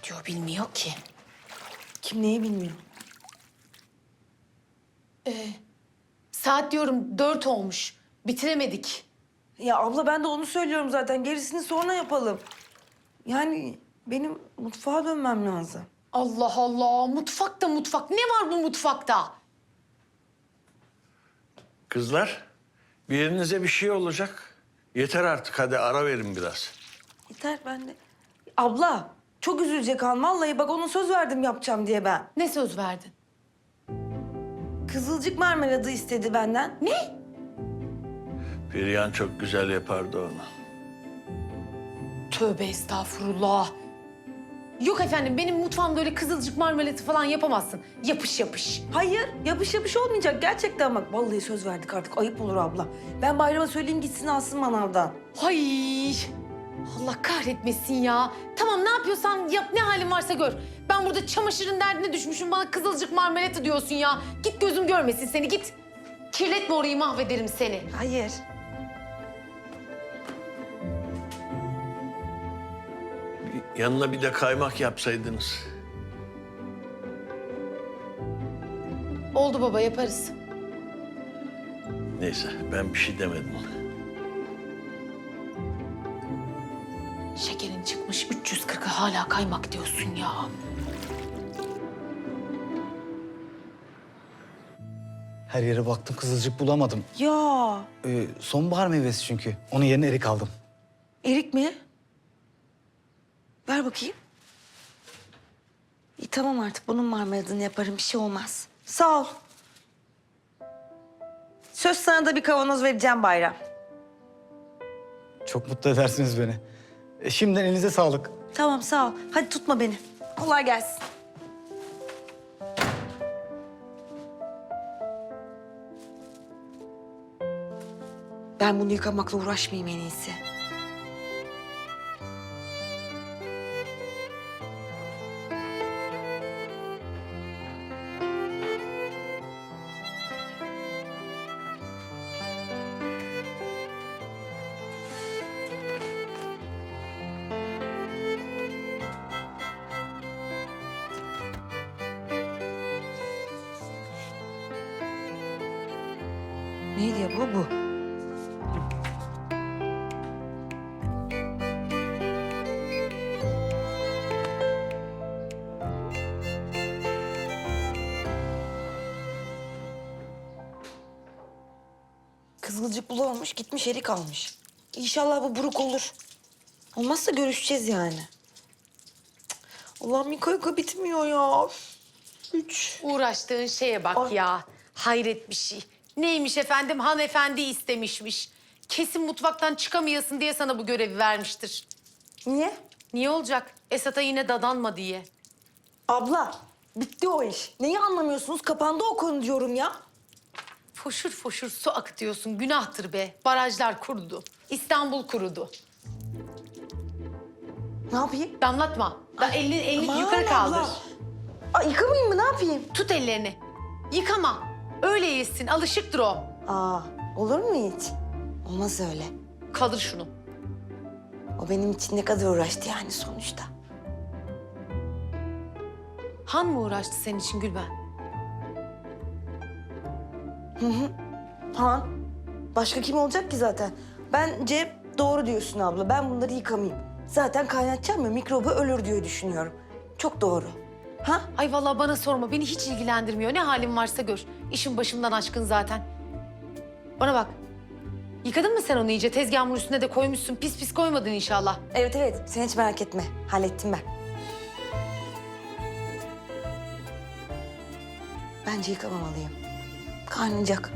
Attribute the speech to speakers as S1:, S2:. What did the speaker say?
S1: Diyor bilmiyor ki.
S2: Kim neyi bilmiyor.
S1: Saat diyorum 4 olmuş. Bitiremedik.
S2: Ya abla ben de onu söylüyorum zaten. Gerisini sonra yapalım. Yani benim mutfağa dönmem lazım.
S1: Allah Allah, mutfak da mutfak. Ne var bu mutfakta?
S3: Kızlar, bir yerinize bir şey olacak. Yeter artık, hadi ara verin biraz.
S2: Yeter ben de. Abla çok üzülecek Han. Vallahi bak ona söz verdim yapacağım diye ben.
S1: Ne söz verdin?
S2: Kızılcık marmeladı istedi benden.
S1: Ne?
S3: Perihan çok güzel yapardı onu.
S1: Tövbe estağfurullah. Yok efendim, benim mutfağımda öyle kızılcık marmelatı falan yapamazsın. Yapış yapış.
S2: Hayır yapış yapış olmayacak gerçekten bak. Vallahi söz verdik artık ayıp olur abla. Ben Bayram'a söyleyeyim gitsin alsın manavdan.
S1: Hay! Allah kahretmesin ya. Tamam, ne yapıyorsan yap, ne halin varsa gör. Ben burada çamaşırın derdine düşmüşüm, bana kızılcık marmelatı diyorsun ya. Git, gözüm görmesin seni, git. Kirletme orayı, mahvederim seni.
S2: Hayır.
S3: Yanına bir de kaymak yapsaydınız.
S1: Oldu baba, yaparız.
S3: Neyse, ben bir şey demedim.
S1: Şekerin çıkmış 340'a hala kaymak diyorsun ya.
S4: Her yere baktım, kızılcık bulamadım.
S2: Ya
S4: Sonbahar meyvesi çünkü. Onun yerine erik aldım.
S2: erik mi? Ver bakayım. İyi tamam artık bunun marmeladını yaparım bir şey olmaz. Sağ ol. Söz sana da bir kavanoz vereceğim Bayram.
S4: Çok mutlu edersiniz beni. Şimdiden elinize sağlık.
S2: Tamam sağ ol. Hadi tutma beni. Kolay gelsin. Ben bunu yıkamakla uğraşmayayım en iyisi. Neydi ya bu? Kızılcık bulamamış, gitmiş erik almış. İnşallah bu buruk olur. Olmazsa görüşeceğiz yani. Cık, Allah'ım yıka bitmiyor ya. Üç.
S1: Uğraştığın şeye bak
S2: Ay.
S1: ya. Hayret bir şey. Neymiş efendim, hanımefendi istemişmiş. Kesin mutfaktan çıkamayasın diye sana bu görevi vermiştir.
S2: Niye?
S1: Niye olacak? Esat'a yine dadanma diye.
S2: Abla, bitti o iş. Neyi anlamıyorsunuz? Kapandı o konu diyorum ya.
S1: Foşur foşur su akıtıyorsun. Günahtır be. Barajlar kurudu. İstanbul kurudu.
S2: Ne yapayım?
S1: Damlatma. Elini
S2: Aman
S1: yukarı kaldır.
S2: abla. Ay, yıkamayayım mı? Ne yapayım?
S1: Tut ellerini. Yıkama. Öyle yesin. Alışıktır o.
S2: Aa, olur mu hiç? Olmaz öyle.
S1: Kaldır şunu.
S2: O benim için ne kadar uğraştı yani sonuçta.
S1: Han mı uğraştı senin için Gülben?
S2: Han, başka kim olacak ki zaten? Bence doğru diyorsun abla. Ben bunları yıkamayayım. Zaten kaynatacağım ya mikrobu ölür diye düşünüyorum. Çok doğru. Ha?
S1: Ay vallahi bana sorma. Beni hiç ilgilendirmiyor. Ne halin varsa gör. İşin başımdan aşkın zaten. Bana bak. Yıkadın mı sen onu iyice? Tezgahın üstüne de koymuşsun. Pis pis koymadın inşallah.
S2: Evet evet. Sen hiç merak etme. Hallettim ben. Bence yıkamamalıyım. Kaynayacak.